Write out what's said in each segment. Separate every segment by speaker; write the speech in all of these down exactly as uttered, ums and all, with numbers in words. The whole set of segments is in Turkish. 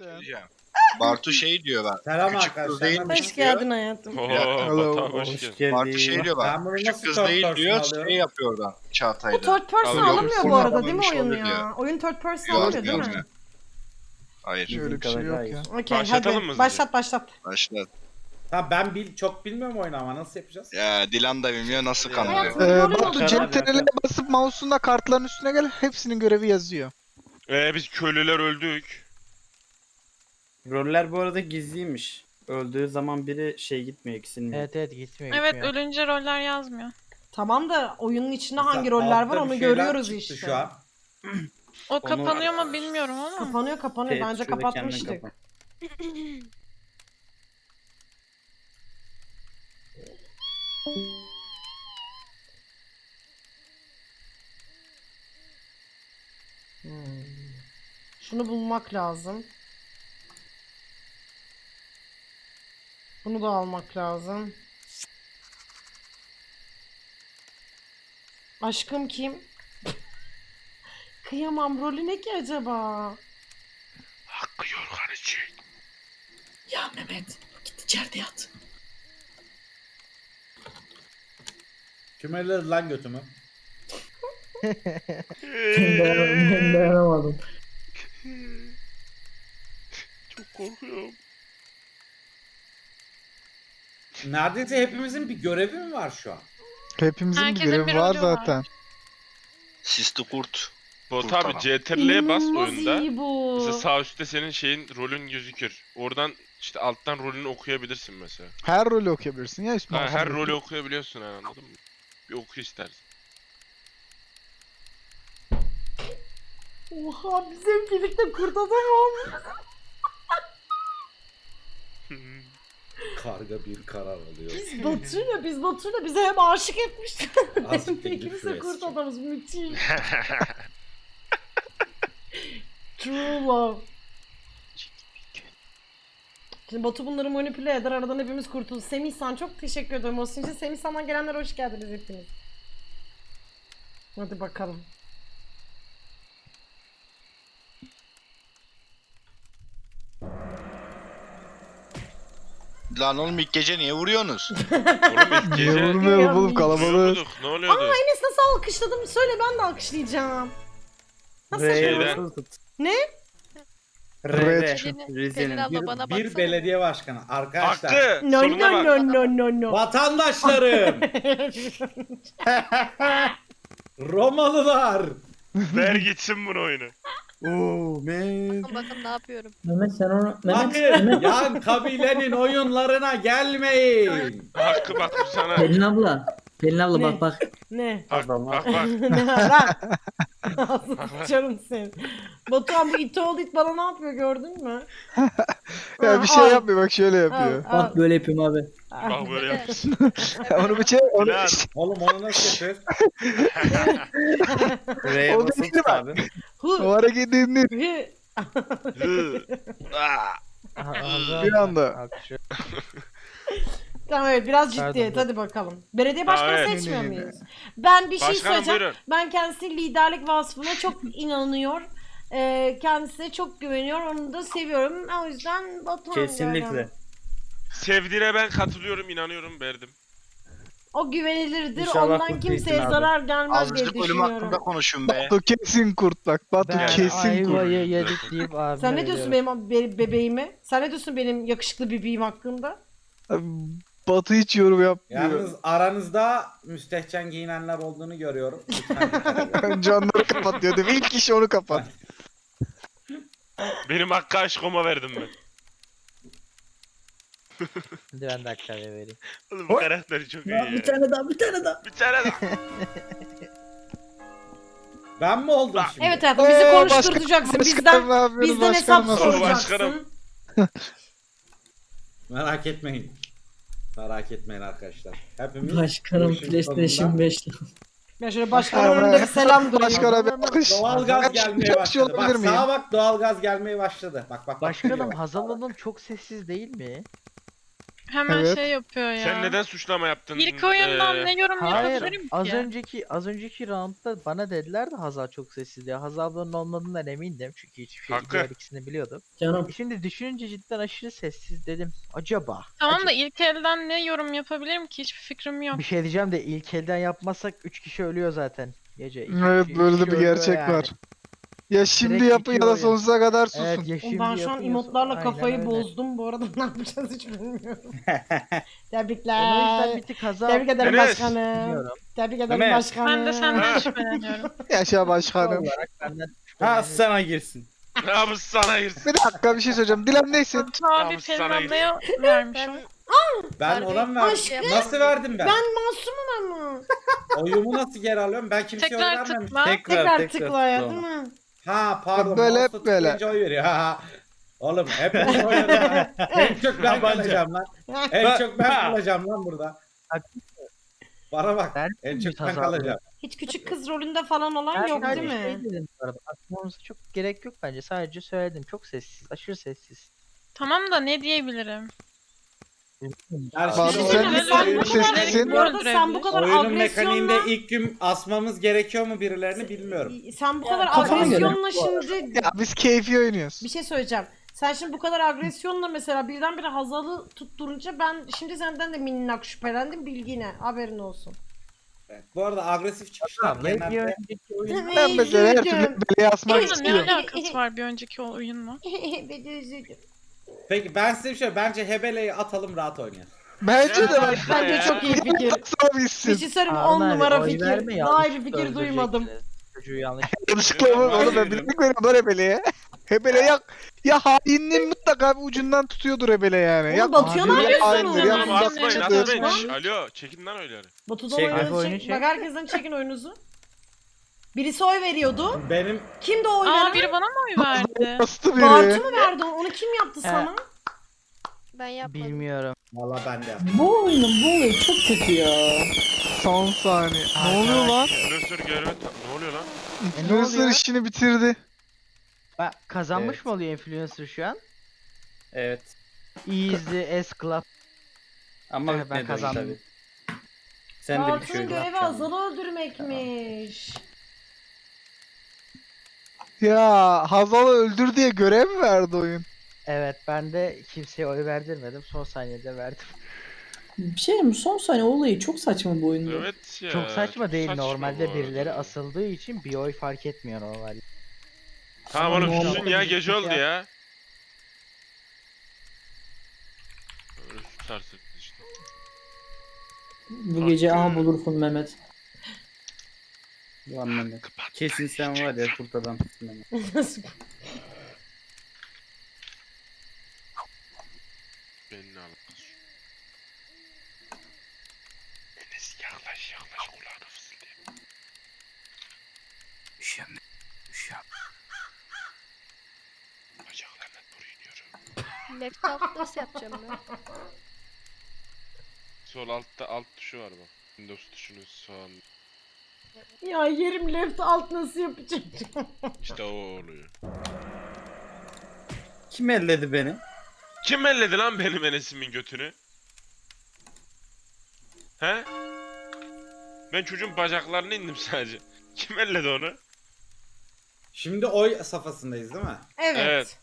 Speaker 1: zaten.
Speaker 2: Diyeceğim. Bartu şey diyor ben.
Speaker 3: Selam
Speaker 2: Küçük
Speaker 3: arkadaşlar,
Speaker 2: kız
Speaker 3: ben-
Speaker 2: değilmiş
Speaker 4: Hoş
Speaker 2: diyor.
Speaker 4: geldin hayatım.
Speaker 5: Oo,
Speaker 1: Hello,
Speaker 5: Batuhan hoş
Speaker 1: hoş
Speaker 5: geldin.
Speaker 2: Bartu şey diyor
Speaker 3: Ben
Speaker 2: bak.
Speaker 3: bunu
Speaker 2: Küçük
Speaker 3: nasıl
Speaker 2: kız
Speaker 3: third
Speaker 2: değil
Speaker 3: person
Speaker 2: diyor.
Speaker 3: alıyorum?
Speaker 2: Şey yapıyor oradan
Speaker 4: Bu
Speaker 2: Çağatay'da.
Speaker 4: third person
Speaker 5: Alıyor.
Speaker 4: alamıyor bu
Speaker 2: Yok,
Speaker 4: arada değil mi
Speaker 2: olmamış
Speaker 4: oyun
Speaker 2: olur
Speaker 4: ya?
Speaker 2: diyor.
Speaker 4: Oyun third person
Speaker 2: Yok,
Speaker 4: almıyor değil
Speaker 2: yok.
Speaker 4: mi?
Speaker 2: Hayır.
Speaker 1: Öyle bir şey yok ya.
Speaker 4: Okey
Speaker 5: Başlatalım
Speaker 4: hadi
Speaker 5: mı
Speaker 4: başlat başlat.
Speaker 2: Başla.
Speaker 3: Tamam ben bil, çok bilmiyorum oyunu ama nasıl yapacağız?
Speaker 2: Ya Dilan da bilmiyor nasıl
Speaker 4: Hayatım.
Speaker 2: kanalıyor.
Speaker 1: Ee,
Speaker 4: Rolün
Speaker 1: Batu
Speaker 4: olacak.
Speaker 1: cep teneline basıp mouse'unla kartların üstüne gel. Hepsinin görevi yazıyor.
Speaker 5: Ee, biz köylüler öldük.
Speaker 6: Roller bu arada gizliymiş. Öldüğü zaman biri şey gitmiyor, eksilmiyor.
Speaker 7: Evet evet gitmiyor
Speaker 8: Evet
Speaker 7: gitmiyor.
Speaker 8: ölünce roller yazmıyor.
Speaker 4: Tamam da oyunun içinde
Speaker 3: Mesela
Speaker 4: hangi roller var
Speaker 3: altta bir
Speaker 4: onu
Speaker 3: şeyler
Speaker 4: görüyoruz
Speaker 3: çıktı
Speaker 4: işte.
Speaker 3: Şu an.
Speaker 8: O kapanıyor mu bilmiyorum ama.
Speaker 4: Kapanıyor kapanıyor.
Speaker 6: Evet,
Speaker 4: Bence
Speaker 6: şurada
Speaker 4: kapatmıştık.
Speaker 6: kendini kapat.
Speaker 4: Hmm. Şunu bulmak lazım. Bunu da almak lazım. Aşkım kim? Kıyamam, rolü ne ki acaba?
Speaker 5: Hakkı yorgan için.
Speaker 9: Ya Mehmet git içeride yat.
Speaker 3: Kim elledi lan götümü?
Speaker 9: Ben dayanamadım.
Speaker 5: Çok korkuyorum.
Speaker 3: Neredeyse hepimizin bir görevi mi var şu an?
Speaker 1: Hepimizin bir
Speaker 8: Herkesin
Speaker 1: görevi
Speaker 8: bir
Speaker 1: var
Speaker 8: rolü var.
Speaker 1: zaten.
Speaker 2: Sisli kurt.
Speaker 5: Batu abi
Speaker 2: Kurtaran.
Speaker 5: C T R L'ye bas
Speaker 4: İnanılmaz
Speaker 5: oyunda.
Speaker 4: iyi bu.
Speaker 5: Mesela sağ üstte senin şeyin rolün gözükür. Oradan işte alttan rolünü okuyabilirsin mesela.
Speaker 1: Her rolü okuyabilirsin ya. Üst
Speaker 5: Ha,
Speaker 1: mouse'una
Speaker 5: her
Speaker 1: basıp.
Speaker 5: rolü okuyabiliyorsun yani, anladın mı? Bir oku istersen.
Speaker 4: Oha biz hep birlikte kurt adam olmuş.
Speaker 3: Karga bir karar alıyor.
Speaker 4: Biz Batu'yla biz Batu'yla bize hem aşık etmişler.
Speaker 3: Azıcık
Speaker 4: Hem de
Speaker 3: da
Speaker 4: ikimiz de
Speaker 3: küfür
Speaker 4: kurt
Speaker 3: etsin.
Speaker 4: adamız müthiş. True love. Şimdi Batu bunları manipüle eder, aradan hepimiz kurtulur. Semih San çok teşekkür ederim. Olsun için Semih San'dan gelenler hoş geldiniz hepiniz. Hadi bakalım.
Speaker 2: Lan oğlum ilk gece niye vuruyorsunuz?
Speaker 5: Oğlum ilk
Speaker 1: Niye
Speaker 5: gece
Speaker 1: vurmayalım oğlum, kalabalık.
Speaker 5: vuruyorduk. Ne oluyordu?
Speaker 4: Enes nasıl alkışladım? Söyle ben de alkışlayacağım. Nasıl
Speaker 6: R'ye
Speaker 4: yapıyoruz?
Speaker 5: Şeyden-
Speaker 6: basılı tut.
Speaker 4: Ne?
Speaker 6: R,
Speaker 1: Red.
Speaker 6: R.
Speaker 8: Pelin, Pelin
Speaker 6: Rize'nin.
Speaker 8: abla
Speaker 3: Bir,
Speaker 8: bana
Speaker 3: bir
Speaker 8: baksana.
Speaker 3: belediye başkanı. Arkadaşlar.
Speaker 5: Hakkı!
Speaker 4: No
Speaker 5: Soruna
Speaker 4: no
Speaker 5: bak.
Speaker 4: no no no no.
Speaker 3: Vatandaşlarım. Romalılar.
Speaker 5: Ver gitsin bunu oyunu.
Speaker 6: Oo man.
Speaker 8: Bakın ne yapıyorum.
Speaker 9: Mehmet sen onu... Mehmet,
Speaker 3: Bakın
Speaker 9: Mehmet.
Speaker 3: yan kabilenin oyunlarına gelmeyin.
Speaker 5: Hakkı bak bu sana.
Speaker 9: Pelin abla. Pelin abla
Speaker 4: Ne?
Speaker 9: bak bak.
Speaker 4: Ne?
Speaker 5: Bak bak bak. bak.
Speaker 4: Ne var lan? Ağzını sıçarım seni. Batuhan bu it old it bana ne yapıyor gördün mü?
Speaker 1: Ya bir şey
Speaker 4: Al,
Speaker 1: yapmıyor, bak şöyle yapıyor.
Speaker 4: al,
Speaker 9: Bak böyle yapıyorum abi.
Speaker 4: al.
Speaker 5: Bak böyle yapıyorsun.
Speaker 1: Onu bir şey, onu
Speaker 5: Lan.
Speaker 3: Oğlum onu nasıl yapıyoruz?
Speaker 6: R'ye
Speaker 1: O
Speaker 6: basılı
Speaker 1: değil
Speaker 6: tut
Speaker 1: mi?
Speaker 6: abi.
Speaker 1: o
Speaker 4: Hu.
Speaker 1: hareketi indir
Speaker 4: Hı.
Speaker 5: Hı. Aa.
Speaker 1: bir anda.
Speaker 4: Tamam evet biraz
Speaker 7: Pardon,
Speaker 4: ciddiyet
Speaker 7: dur.
Speaker 4: hadi bakalım. Belediye başkanı
Speaker 5: Ha, evet.
Speaker 4: seçmiyor
Speaker 1: Ne, ne, ne.
Speaker 4: muyuz? Ben bir şey
Speaker 5: Başkanım
Speaker 4: söyleyeceğim.
Speaker 5: buyurun.
Speaker 4: Ben kendisinin liderlik vasfına çok inanıyor. Ee, kendisine çok güveniyor. Onu da seviyorum. O yüzden Batuhan
Speaker 6: Kesinlikle.
Speaker 4: diyorum.
Speaker 5: Sevdiğine ben katılıyorum, inanıyorum, verdim.
Speaker 4: O güvenilirdir.
Speaker 6: İnşallah
Speaker 4: Ondan
Speaker 6: mutlu
Speaker 4: kimseye
Speaker 6: etsin abi.
Speaker 4: zarar gelmez diye
Speaker 2: Azıcık ölüm
Speaker 4: düşünüyorum.
Speaker 2: hakkında konuşun be.
Speaker 1: Batu kesin kurt bak. Batu
Speaker 7: Ben
Speaker 1: kesin kurt.
Speaker 7: ayvayı yedik deyip abime
Speaker 4: Sen ne diyorsun
Speaker 7: veriyorum.
Speaker 4: benim be- bebeğime? Sen ne diyorsun benim yakışıklı bebeğim hakkında?
Speaker 1: Batu hiç yorum yapmıyor.
Speaker 3: Yalnız aranızda müstehcen giyinenler olduğunu görüyorum. Lütfen dikkat edin.
Speaker 1: Canları kapatıyor değil mi? İlk kişi onu kapat.
Speaker 5: Benim Hakkı aşkıma verdim ben.
Speaker 7: Hadi ben de Hakkı'ya vereyim.
Speaker 5: Oğlum bu karakteri çok iyi
Speaker 9: Ya,
Speaker 5: ya.
Speaker 9: bir tane daha bir tane daha.
Speaker 5: Bir tane daha.
Speaker 3: Ben mi oldum
Speaker 5: Bak.
Speaker 3: şimdi?
Speaker 4: Evet hayatım bizi
Speaker 1: Ee,
Speaker 4: konuşturacaksın.
Speaker 1: başkanım,
Speaker 4: Bizden
Speaker 1: ne yapıyorsun
Speaker 4: bizden hesap
Speaker 1: başkanım?
Speaker 5: Başkanım.
Speaker 4: soracaksın.
Speaker 3: Merak etmeyin. Merak etmeyin arkadaşlar. Hepimiz
Speaker 9: Başkanım
Speaker 3: bu işin
Speaker 9: PlayStation
Speaker 3: sonunda
Speaker 9: beş.
Speaker 4: Ben şöyle başkanın önünde bir selam durayım.
Speaker 1: Başkana bir alkış.
Speaker 3: doğalgaz
Speaker 1: Ben
Speaker 3: gelmeye
Speaker 1: bir şey
Speaker 3: başladı. Bak
Speaker 1: olabilir miyim?
Speaker 3: sağa bak doğalgaz gelmeye başladı. Bak bak bak.
Speaker 7: Başkanım
Speaker 3: geliyor.
Speaker 7: Hazal Hanım çok sessiz değil mi?
Speaker 8: Hemen
Speaker 1: Evet.
Speaker 8: şey yapıyor ya.
Speaker 5: Sen neden suçlama yaptın?
Speaker 8: İlk oyundan
Speaker 5: Ee,
Speaker 8: ne yorum
Speaker 7: Hayır,
Speaker 8: yapabilirim ki?
Speaker 7: az önceki az önceki roundda bana dediler de Hazal çok sessiz diye. Hazal'ın olmadığından emindim çünkü hiçbir şey
Speaker 5: Hakkı.
Speaker 7: diğer ikisini biliyordum.
Speaker 9: Canım
Speaker 7: E Şimdi düşününce cidden aşırı sessiz dedim. Acaba?
Speaker 8: Tamam
Speaker 7: acaba-
Speaker 8: da ilk elden ne yorum yapabilirim ki? Hiçbir fikrim yok.
Speaker 7: Bir şey diyeceğim de ilk elden yapmazsak üç kişi ölüyor zaten. Gece. İki
Speaker 1: Evet
Speaker 7: kişi-
Speaker 1: böyle
Speaker 7: üç
Speaker 1: de
Speaker 7: kişi
Speaker 1: bir
Speaker 7: ölüyor
Speaker 1: gerçek
Speaker 7: yani.
Speaker 1: var. Ya şimdi
Speaker 7: Direkt
Speaker 1: yapın ya
Speaker 7: bitiyor
Speaker 1: da
Speaker 7: oyun.
Speaker 1: sonsuza kadar susun.
Speaker 7: Evet ya
Speaker 4: Oğlum
Speaker 7: şimdi
Speaker 4: ben şu an
Speaker 7: yapıyorsun.
Speaker 4: emotlarla
Speaker 7: Aynen
Speaker 4: kafayı
Speaker 7: öyle.
Speaker 4: bozdum. Bu arada ne yapacağız hiç bilmiyorum.
Speaker 7: Ben o
Speaker 4: Tebrikler.
Speaker 7: yüzden bir tık Hazal
Speaker 4: Tebrik ederim
Speaker 5: Enes.
Speaker 4: başkanım.
Speaker 7: bilmiyorum.
Speaker 4: Tebrik ederim
Speaker 6: Mehmet.
Speaker 4: başkanım.
Speaker 8: Ben de senden
Speaker 5: Ha.
Speaker 8: şüpheleniyorum.
Speaker 1: Yaşa başkanım.
Speaker 7: olarak benden
Speaker 6: Ha
Speaker 7: şüpheleniyorum.
Speaker 6: sana girsin.
Speaker 5: Ne yapmış sana girsin?
Speaker 1: Bir dakika bir şey söyleyeceğim. Dilan neysin?
Speaker 8: Abi
Speaker 5: Tamam,
Speaker 8: Pelin
Speaker 5: sana
Speaker 8: ablaya vermiş o.
Speaker 3: Ben ona mı verdim?
Speaker 4: Aşkım.
Speaker 3: Nasıl verdim ben?
Speaker 4: Ben masumum ama.
Speaker 3: Oyumu nasıl geri alıyorum? Ben kimseye oy
Speaker 8: Tekrar
Speaker 3: vermemiştim.
Speaker 8: tıkla.
Speaker 4: Tekrar tıkla ya değil mi?
Speaker 3: Ha pardon.
Speaker 1: Böyle hep
Speaker 3: mouse'la
Speaker 1: böyle.
Speaker 3: tıklayınca oy veriyor. Ha, ha. Oğlum hep oy veriyor. ha. En çok ben
Speaker 6: Tabanca.
Speaker 3: kalacağım lan. En çok ben kalacağım lan burada. Bana bak.
Speaker 7: Ben
Speaker 3: En
Speaker 7: mi
Speaker 3: çok ben
Speaker 7: Hazal
Speaker 3: kalacağım.
Speaker 4: Hiç küçük kız rolünde falan olan
Speaker 7: Ben
Speaker 4: yok
Speaker 7: sadece
Speaker 4: değil mi?
Speaker 7: şey dedim bu arada. Atmamıza çok gerek yok bence. Sadece söyledim. Çok sessiz. Aşırı sessiz.
Speaker 8: Tamam da ne diyebilirim?
Speaker 3: Yani
Speaker 1: Bak,
Speaker 3: şimdi
Speaker 1: sen-
Speaker 3: oyunun,
Speaker 1: sen
Speaker 3: oyunun,
Speaker 1: bu sessin.
Speaker 4: Bu arada sen bu kadar
Speaker 3: oyunun
Speaker 4: agresyonla
Speaker 3: mekaniğinde ilk gün asmamız gerekiyor mu birilerini bilmiyorum.
Speaker 4: sen bu kadar
Speaker 9: kafana göre.
Speaker 4: agresyonla şimdi
Speaker 1: Ya biz keyfi oynuyoruz.
Speaker 4: bir şey söyleyeceğim. Sen şimdi bu kadar agresyonla mesela birdenbire Hazal'ı tutturunca ben şimdi senden de minnak şüphelendim bilgine haberin olsun.
Speaker 3: Evet, bu arada agresif çıkışlar
Speaker 7: Tamam, bir
Speaker 3: genelde
Speaker 7: önceki oyun
Speaker 1: Ben mesela her türlü beleye asmak
Speaker 8: Oyunun ne
Speaker 1: istiyorum.
Speaker 8: alakası var bir önceki oyunla?
Speaker 4: Ben de üzüldüm.
Speaker 3: Peki ben size bir şey bence Hebele'yi atalım rahat oynayalım.
Speaker 1: Bence de bak.
Speaker 4: Bence çok iyi fikir.
Speaker 1: Sana
Speaker 4: Bir
Speaker 1: gitsin.
Speaker 4: şey söyleyeyim mi?
Speaker 7: Harun
Speaker 4: on
Speaker 7: abi,
Speaker 4: numara
Speaker 7: oy
Speaker 4: fikir.
Speaker 7: verme,
Speaker 4: Daha iyi bir
Speaker 7: yanlışlıkla
Speaker 4: fikir duymadım.
Speaker 7: öldüreceksiniz. Çocuğu yanlış.
Speaker 1: Yanlışlıkla oğlum, oğlum ben bildik veriyorum lan Hebele'ye. Hebele ya, ya hainliğin mutlaka bir ucundan tutuyordur Hebele yani.
Speaker 4: Oğlum
Speaker 1: Ya
Speaker 4: Batu'ya ne
Speaker 1: ya
Speaker 4: yapıyorsun
Speaker 1: haindir,
Speaker 4: oğlum?
Speaker 1: ya
Speaker 8: Tamam,
Speaker 5: Tamam
Speaker 1: uzak
Speaker 5: atmayın
Speaker 8: atmayın,
Speaker 1: çıkıdır.
Speaker 5: atmayın.
Speaker 8: Lan.
Speaker 5: Şş, Alo çekin lan oyları.
Speaker 4: Batu'da
Speaker 6: Çek,
Speaker 4: oyunuzu
Speaker 7: oyunu
Speaker 4: çek.
Speaker 7: çek.
Speaker 4: Bak herkesten çekin oyunuzu. Birisi oy veriyordu.
Speaker 3: Benim
Speaker 4: Kimdi o oy
Speaker 8: Aa
Speaker 4: veren?
Speaker 8: biri bana mı oy verdi?
Speaker 1: Bastı biri.
Speaker 4: Bartu mu verdi onu? Onu kim yaptı
Speaker 7: He.
Speaker 4: sana?
Speaker 8: Ben yapmadım.
Speaker 7: Bilmiyorum.
Speaker 3: valla ben de.
Speaker 9: bu oyunun bu olayı çok kötü ya.
Speaker 1: Son saniye. Ne oluyor lan?
Speaker 5: Influencer göreve ta- ne oluyor lan?
Speaker 1: Influencer
Speaker 7: oluyor?
Speaker 1: işini bitirdi.
Speaker 7: Bak kazanmış
Speaker 3: Evet.
Speaker 7: mı oluyor influencer şu an?
Speaker 6: Evet.
Speaker 7: Easy S Club.
Speaker 6: Ama
Speaker 7: Evet, ben
Speaker 6: bitmedi oyun
Speaker 7: kazandım.
Speaker 6: tabii. Sen de bir
Speaker 4: Bartu'nun
Speaker 6: şey
Speaker 4: görevi
Speaker 6: yapacaksın.
Speaker 4: Hazal'ı öldürmekmiş.
Speaker 1: Ya Hazal'ı öldür diye görev mi verdi oyun?
Speaker 7: Evet ben de kimseye oy verdirmedim. Son saniyede verdim.
Speaker 9: Bir şey mi? Son saniye olayı çok saçma bu oyunda.
Speaker 5: Evet ya.
Speaker 7: Çok saçma değil.
Speaker 5: saçma
Speaker 7: Normalde
Speaker 5: bu
Speaker 7: birileri
Speaker 5: arada.
Speaker 7: asıldığı için bir oy fark etmiyor normalde.
Speaker 5: Tamam oğlum
Speaker 7: Ama
Speaker 5: susun ya
Speaker 7: normalde
Speaker 5: gece
Speaker 7: bir
Speaker 5: oldu
Speaker 7: şey
Speaker 5: ya. Öyle tutarsın işte.
Speaker 9: Bu gece aha bulursun Mehmet.
Speaker 6: Ulan Mehmet. Kesin sen var ya kurt adam. Mehmet.
Speaker 4: Nasıl?
Speaker 5: Benimle al. Enes yaklaş yaklaş kulağına fısıldayayım.
Speaker 6: Üşüyorum. Üşüyorum.
Speaker 5: Bacaklarına doğru iniyorum.
Speaker 8: Laptop nasıl yapacağım ben?
Speaker 5: Sol altta alt tuşu var bak. Windows tuşunun sağ.
Speaker 4: Ya yerim left alt nasıl yapacağım?
Speaker 5: İşte o oluyor.
Speaker 6: Kim elledi beni?
Speaker 5: Kim elledi lan benim Enes'imin götünü? He? Ben çocuğun bacaklarına indim sadece. Kim elledi onu?
Speaker 3: Şimdi oy safhasındayız değil mi?
Speaker 4: Evet.
Speaker 5: Evet.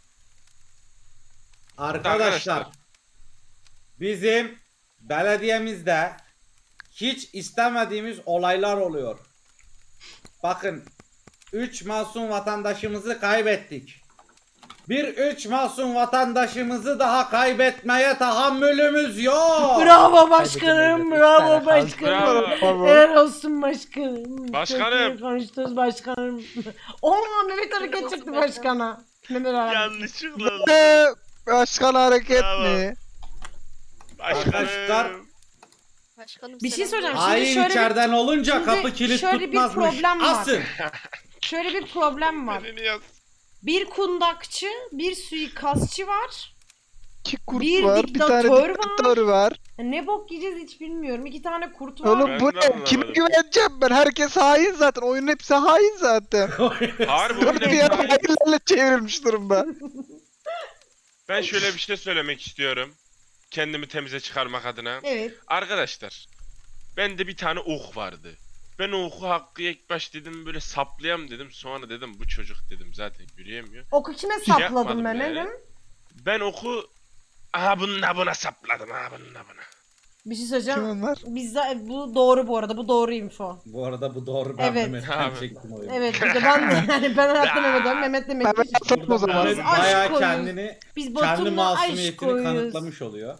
Speaker 3: Arkadaşlar
Speaker 5: Arkadaşlar.
Speaker 3: bizim belediyemizde hiç istemediğimiz olaylar oluyor. Bakın üç masum vatandaşımızı kaybettik. Bir üç masum vatandaşımızı daha kaybetmeye tahammülümüz yok.
Speaker 4: Bravo başkanım,
Speaker 7: Kaybedilmedi.
Speaker 4: bravo
Speaker 7: Lütfen,
Speaker 4: başkanım.
Speaker 5: Bravo.
Speaker 4: Helal olsun başkanım.
Speaker 5: Başkanım.
Speaker 4: Çok iyi konuştunuz başkanım. Oha Mehmet hareket çıktı başkana. Mehmet hareket.
Speaker 5: Yanlışlıkla.
Speaker 1: Ee, başkan hareket
Speaker 5: Bravo.
Speaker 1: mi?
Speaker 3: Arkadaşlar,
Speaker 8: Başkanım
Speaker 4: Bir şey söyleyeceğim. Şimdi
Speaker 3: Hain
Speaker 4: şöyle bir,
Speaker 3: içeriden olunca
Speaker 4: şimdi
Speaker 3: kapı kilit
Speaker 4: şöyle bir
Speaker 3: tutmazmış.
Speaker 4: problem var.
Speaker 3: Asın.
Speaker 4: şöyle bir problem var.
Speaker 5: Beni yaz.
Speaker 4: Bir kundakçı, bir suikastçı var.
Speaker 1: İki kurt
Speaker 4: Bir
Speaker 1: var, bir tane
Speaker 4: diktatör var.
Speaker 1: diktatör var.
Speaker 4: Ya ne bok yiyeceğiz hiç bilmiyorum. İki tane kurt var.
Speaker 1: Oğlum
Speaker 5: Ben
Speaker 1: bu
Speaker 5: de
Speaker 1: ne?
Speaker 5: anlamadım.
Speaker 1: Kime güveneceğim ben? Herkes hain zaten. Oyunun hepsi hain zaten.
Speaker 5: Harbi
Speaker 1: Dört bir
Speaker 5: oyunu-
Speaker 1: yana hainlerle çevrilmiş durumda.
Speaker 5: Ben şöyle bir şey söylemek istiyorum. kendimi temize çıkarmak adına.
Speaker 4: Evet.
Speaker 5: Arkadaşlar, bende bir tane ok vardı. Ben o oku Hakkı'ya ilk baş dedim böyle saplayam dedim. Sonra dedim bu çocuk dedim zaten yürüyemiyor.
Speaker 4: Oku kime
Speaker 5: Şey
Speaker 4: sapladın
Speaker 5: yapmadım
Speaker 4: Mehmet'im?
Speaker 5: yani. Ben oku aha bununla buna sapladım aha bununla buna.
Speaker 4: Bir şey
Speaker 1: Kim
Speaker 4: söyleyeceğim.
Speaker 1: onlar?
Speaker 4: Bizde bu doğru bu arada. Bu doğru info.
Speaker 3: Bu arada bu doğru, ben
Speaker 4: Evet.
Speaker 3: Mehmet'ten
Speaker 5: Abi.
Speaker 3: çektim oyunu.
Speaker 4: Evet bir de ben de yani ben hayatta Mehmet'im. Mehmet demek
Speaker 1: Ben
Speaker 4: ki.
Speaker 1: satma o zaman.
Speaker 3: Mehmet
Speaker 4: Aşk
Speaker 3: bayağı
Speaker 4: koyuyoruz.
Speaker 3: kendini,
Speaker 4: Biz
Speaker 3: kendi
Speaker 4: Batum'la aşk
Speaker 3: masumiyetini
Speaker 4: koyuyoruz.
Speaker 3: kanıtlamış oluyor.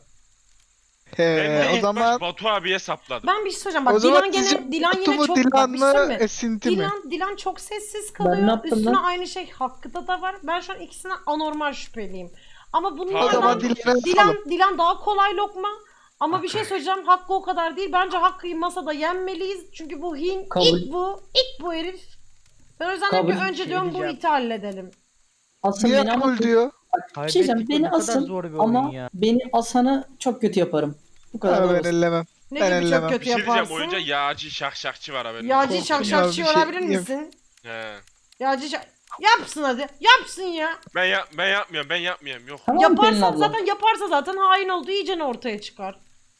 Speaker 5: Ben
Speaker 1: He,
Speaker 5: de
Speaker 1: o
Speaker 5: ilk
Speaker 1: zaman
Speaker 5: baş Batu abiye sapladım.
Speaker 4: Ben bir şey söyleyeceğim.
Speaker 1: o
Speaker 4: Bak
Speaker 1: zaman
Speaker 4: Dilan gene
Speaker 1: sizce
Speaker 4: Dilan
Speaker 1: Batu
Speaker 4: yine
Speaker 1: mu
Speaker 4: çok
Speaker 1: Dilan
Speaker 4: bak bir şey söyleyeyim
Speaker 1: mı
Speaker 4: mi?
Speaker 1: esinti mi?
Speaker 4: Dilan, Dilan çok sessiz
Speaker 9: Ben
Speaker 4: kalıyor.
Speaker 9: ne yaptım
Speaker 4: Üstüne
Speaker 9: lan?
Speaker 4: aynı şey Hakkı'da da var. Ben şu an ikisine anormal şüpheliyim. Ama bunun
Speaker 5: Pardon.
Speaker 1: O zaman
Speaker 4: Dilan,
Speaker 1: Dilan'a
Speaker 4: Dilan,
Speaker 1: yapalım.
Speaker 4: Dilan daha kolay lokma. Ama bir şey söyleyeceğim. Hakkı o kadar değil. Bence Hakkı'yı masada yenmeliyiz. Çünkü bu hin,
Speaker 9: Kabul.
Speaker 4: ilk bu, ilk bu herif. Ben o yüzden
Speaker 9: Kabul.
Speaker 4: bir önce
Speaker 7: Şey
Speaker 4: diyorum bu
Speaker 7: diyeceğim.
Speaker 4: iti halledelim.
Speaker 9: Asın
Speaker 1: Niye
Speaker 9: beni ama
Speaker 1: kabul diyor?
Speaker 9: bir şey diyeceğim,
Speaker 7: Kaybettik,
Speaker 9: beni
Speaker 7: bu ne kadar
Speaker 9: asın
Speaker 7: zor bir
Speaker 9: ama
Speaker 7: oyun ya.
Speaker 9: beni asanı çok kötü yaparım. Bu kadar
Speaker 1: Ha,
Speaker 9: da
Speaker 1: ben
Speaker 9: basit.
Speaker 1: ellemem.
Speaker 4: Ne
Speaker 1: Ben
Speaker 4: gibi
Speaker 1: ellemem.
Speaker 4: çok
Speaker 5: Bir
Speaker 4: kötü
Speaker 5: şey diyeceğim
Speaker 4: yaparsın?
Speaker 5: oyunca yağcı şakşakçı var haberin.
Speaker 4: Yağcı
Speaker 1: Korktum
Speaker 4: şakşakçı
Speaker 1: ya, bir şey
Speaker 4: olabilir
Speaker 1: diyeyim.
Speaker 4: misin?
Speaker 5: He.
Speaker 4: Yağcı şak... Yapsın hadi. Yapsın ya.
Speaker 5: Ben yap ben yapmıyorum ben yapmıyorum yok.
Speaker 9: Tamam Pelin
Speaker 4: Yaparsan
Speaker 9: abla.
Speaker 4: zaten yaparsa zaten hain olduğu iyice ortaya çıkar.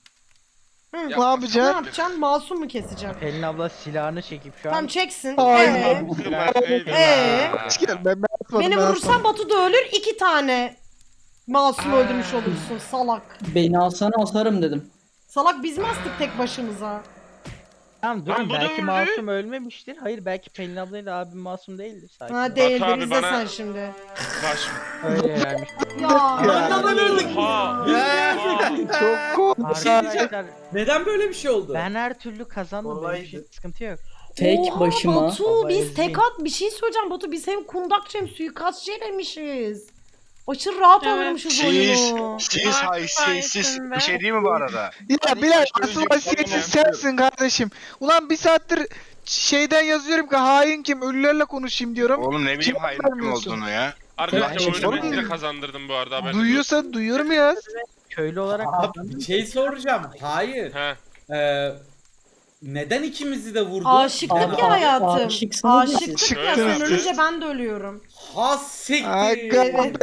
Speaker 4: Hı.
Speaker 5: Yap-
Speaker 1: Ne
Speaker 4: Ne
Speaker 1: yapacaksın?
Speaker 4: yapacaksın? Masum mu keseceksin?
Speaker 7: Pelin abla silahını çekip şu an
Speaker 4: Tamam çeksin.
Speaker 1: Hayır.
Speaker 4: Ee, Ee?
Speaker 1: Hiç gel, ben ben atmadım,
Speaker 4: beni
Speaker 1: ben
Speaker 4: vurursan
Speaker 1: atmadım.
Speaker 4: Batu da ölür. İki tane masum öldürmüş olursun salak.
Speaker 9: Beni asanı asarım dedim.
Speaker 4: Salak biz mi astık tek başımıza?
Speaker 7: Tamam
Speaker 5: Lan
Speaker 7: durun
Speaker 5: bu da
Speaker 7: belki
Speaker 5: öldü.
Speaker 7: masum ölmemiştir. Hayır belki Pelin ablayla abim masum değildir. Sakin ol.
Speaker 4: Ha değildir
Speaker 5: abi
Speaker 4: izle
Speaker 5: bana-
Speaker 4: sen şimdi.
Speaker 5: Baş.
Speaker 7: Öyle vermiş.
Speaker 4: Ya.
Speaker 3: Anladan öldük.
Speaker 5: Ha.
Speaker 1: Çok korktum.
Speaker 7: Arkadaşlar
Speaker 3: Neden böyle bir şey oldu?
Speaker 7: ben her türlü kazandım. Benim için sıkıntı yok.
Speaker 9: Tek
Speaker 4: Oha,
Speaker 9: başıma.
Speaker 4: Batu
Speaker 7: Baba
Speaker 4: biz
Speaker 7: ezdi.
Speaker 4: tek at bir şey söyleyeceğim Batu biz hem kundakçı hem suikastçı elemişiz. Aşırı rahat
Speaker 8: Evet.
Speaker 4: oynamışız
Speaker 2: Siz,
Speaker 4: oyunu.
Speaker 2: siz
Speaker 8: Haklısın
Speaker 2: haysiyetsiz
Speaker 8: be.
Speaker 2: bir şey değil mi bu arada?
Speaker 1: Ya
Speaker 2: Hadi
Speaker 1: Bilal
Speaker 2: ilk başta
Speaker 1: asıl
Speaker 2: önce
Speaker 1: vasiyetsiz
Speaker 2: bir
Speaker 1: sensin kardeşim. Ulan bir saattir şeyden yazıyorum ki hain kim ölülerle konuşayım diyorum.
Speaker 2: Oğlum ne bileyim
Speaker 1: Kim
Speaker 2: hayır kim
Speaker 1: vermiyorsun?
Speaker 2: olduğunu ya.
Speaker 5: Arkadaşlar
Speaker 9: Tek
Speaker 5: oyunu ben
Speaker 1: başıma.
Speaker 5: size kazandırdım bu arada haberiniz
Speaker 1: Duyuyorsa duyuyorum ya.
Speaker 7: Köylü olarak
Speaker 3: Abi bir şey soracağım. Hayır.
Speaker 5: olsun. He.
Speaker 3: Ee, neden ikimizi de vurdu?
Speaker 4: Aşıktık
Speaker 9: Aa,
Speaker 4: ya hayatım.
Speaker 9: aşıksınız ya siz.
Speaker 4: Aşıktık ya
Speaker 5: Şöyle
Speaker 4: sen
Speaker 5: yaptı.
Speaker 4: ölünce ben de ölüyorum.
Speaker 3: Ha siktir.
Speaker 1: Aga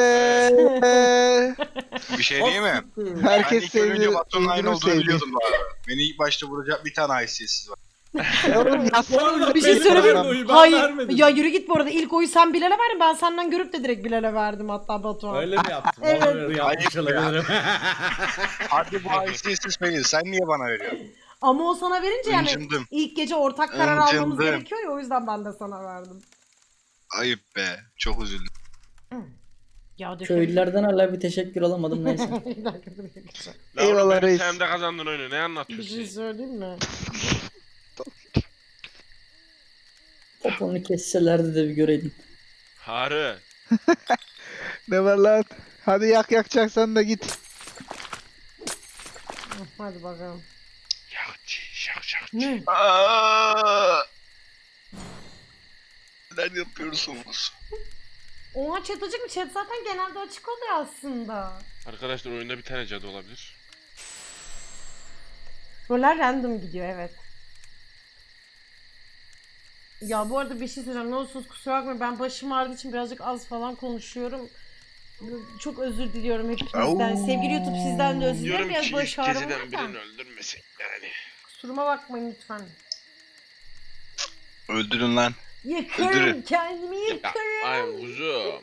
Speaker 1: be.
Speaker 2: Bir şey değil mi?
Speaker 1: Herkes
Speaker 2: ben ilk önce
Speaker 1: sevdi.
Speaker 2: Batu'nun aynı
Speaker 1: birbirini
Speaker 2: olduğunu
Speaker 1: sevdi.
Speaker 2: biliyordum bu arada. Beni ilk başta vuracak bir tane haysiyetsiz var.
Speaker 1: Ya oğlum
Speaker 3: Bu
Speaker 1: yazsana
Speaker 3: arada
Speaker 4: Bir şey
Speaker 3: benim
Speaker 4: söyleyeyim mi?
Speaker 3: verdiğim oyu ben
Speaker 4: Hayır.
Speaker 3: vermedim.
Speaker 4: Ya yürü git bu arada. İlk oyu sen Bilal'e verdin. Ben senden görüp de direkt Bilal'e verdim hatta Batuhan.
Speaker 3: Öyle mi yaptın?
Speaker 4: Evet.
Speaker 3: Olabilir, yapmış
Speaker 2: Hayır ya.
Speaker 3: olabilirim.
Speaker 2: Hadi bu haysiyetsiz Pelin sen niye bana veriyorsun?
Speaker 4: Ama o sana verince yani
Speaker 2: Incındım.
Speaker 4: ilk gece ortak karar almamız
Speaker 2: Incındım.
Speaker 4: gerekiyor ya o yüzden ben de sana verdim.
Speaker 2: Ayıp be. Çok üzüldüm.
Speaker 4: Ya
Speaker 9: Köylülerden hala bir teşekkür alamadım neyse.
Speaker 4: Bir dakika, bir dakika.
Speaker 5: La oğlum
Speaker 1: Eyvallah
Speaker 5: benim
Speaker 1: reis.
Speaker 5: sayemde kazandın oyunu ne
Speaker 4: Bir
Speaker 5: anlatıyorsun?
Speaker 4: şey söyleyeyim mi?
Speaker 9: Poponu kesselerdi de bir göreydin.
Speaker 5: Harı.
Speaker 1: Ne var lan? Hadi yak yakacaksan da git.
Speaker 4: Hadi bakalım.
Speaker 5: Yakçı şak şak.
Speaker 4: Ne?
Speaker 2: Aa! Neden yapıyorsunuz?
Speaker 4: Oha chat açık mı? Chat zaten genelde açık oluyor aslında.
Speaker 5: Arkadaşlar oyunda bir tane cadı olabilir.
Speaker 4: Roller random gidiyor evet. Ya bu arada bir şey söyleyeceğim. Ne olursunuz kusura bakmayın. Ben başım ağrıdığı için birazcık az falan konuşuyorum. Çok özür diliyorum hepinizden.
Speaker 2: Au.
Speaker 4: Sevgili YouTube sizden de özür dilerim.
Speaker 5: Diyorum
Speaker 4: Biraz
Speaker 5: ki
Speaker 4: baş
Speaker 5: ilk
Speaker 4: ağrım
Speaker 5: geceden
Speaker 4: var
Speaker 5: birini
Speaker 4: da.
Speaker 5: öldürmesin yani.
Speaker 4: Kusuruma bakmayın lütfen.
Speaker 2: Öldürün lan.
Speaker 4: Yakarım
Speaker 2: Öldürün.
Speaker 4: kendimi
Speaker 5: Ya,
Speaker 4: yakarım.
Speaker 5: ay kuzum.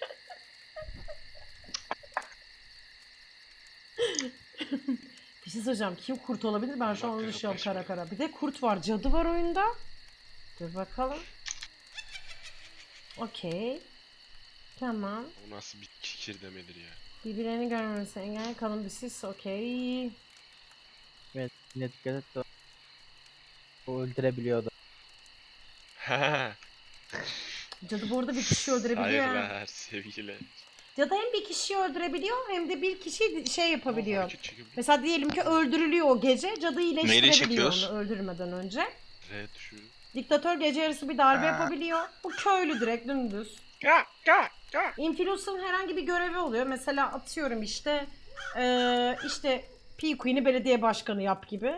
Speaker 4: Bir şey söyleyeceğim. Kim kurt olabilir? Ben şu an onu
Speaker 5: Bak,
Speaker 4: düşünüyorum kara
Speaker 5: yaklaşma.
Speaker 4: kara. Bir de kurt var. Cadı var oyunda. Dur bakalım. Okey. Tamam.
Speaker 5: O nasıl bir kikir demedir ya.
Speaker 4: Birbirlerini görmemesi engel kalın bir sis. Okey.
Speaker 7: Evet yine dikkat et de. O öldürebiliyordu.
Speaker 4: Cadı bu arada bir kişi öldürebiliyor. ha.
Speaker 5: Hayırlar sevgiler.
Speaker 4: Cadı hem bir kişiyi öldürebiliyor hem de bir kişi şey yapabiliyor.
Speaker 5: Hareket çekebilir.
Speaker 4: Mesela diyelim ki öldürülüyor o gece. Cadı iyileştirebiliyor
Speaker 2: çekiyoruz?
Speaker 4: onu öldürmeden önce.
Speaker 5: R tuşu.
Speaker 4: Diktatör gece yarısı bir darbe
Speaker 2: Ha.
Speaker 4: yapabiliyor. Bu köylü direkt dümdüz.
Speaker 5: Ya ya ya.
Speaker 4: Influencer'ın herhangi bir görevi oluyor. Mesela atıyorum işte eee işte P Queen'i belediye başkanı yap gibi.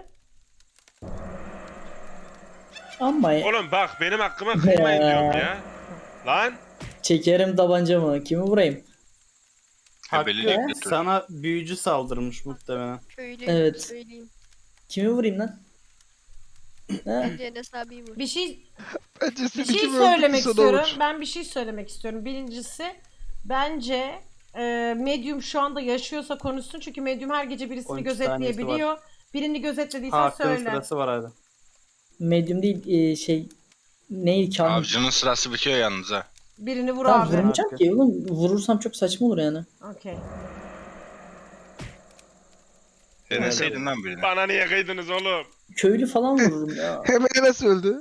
Speaker 9: Ama ya,
Speaker 5: Oğlum bak benim hakkıma kıymayın
Speaker 9: Ya.
Speaker 5: diyorum ya. Lan.
Speaker 9: çekerim tabancamı. Kimi vurayım?
Speaker 6: Hakkı
Speaker 2: Ebelilik götür.
Speaker 6: sana büyücü saldırmış muhtemelen.
Speaker 8: Köylü
Speaker 9: Evet.
Speaker 8: söyleyeyim.
Speaker 9: Kimi vurayım lan? Ha?
Speaker 8: Bence Enes abiyi vur.
Speaker 4: Bir şey
Speaker 1: Bence
Speaker 4: bir
Speaker 1: seni
Speaker 4: şey
Speaker 1: kim
Speaker 4: söylemek
Speaker 1: öldürdüyse
Speaker 4: istiyorum.
Speaker 1: olur.
Speaker 4: Ben bir şey söylemek istiyorum. Birincisi bence e, Medium şu anda yaşıyorsa konuşsun. Çünkü Medium her gece birisini
Speaker 6: on iki saniyesi
Speaker 4: gözetleyebiliyor. Birini gözetlediysen
Speaker 6: Hakkı'nın
Speaker 4: söyle.
Speaker 6: sırası var hadi.
Speaker 9: Medium değil e, şey neydi kahin?
Speaker 2: Avcının sırası bitiyor yalnız ha.
Speaker 4: Birini vur
Speaker 9: Tamam
Speaker 4: abi.
Speaker 9: vurmayacağım ki oğlum. Vurursam çok saçma olur yani.
Speaker 4: Okey.
Speaker 2: Deneseydin lan birini.
Speaker 5: Bana niye kıydınız oğlum?
Speaker 9: Köylü falan vururum ya.
Speaker 1: Hemen nasıl öldü?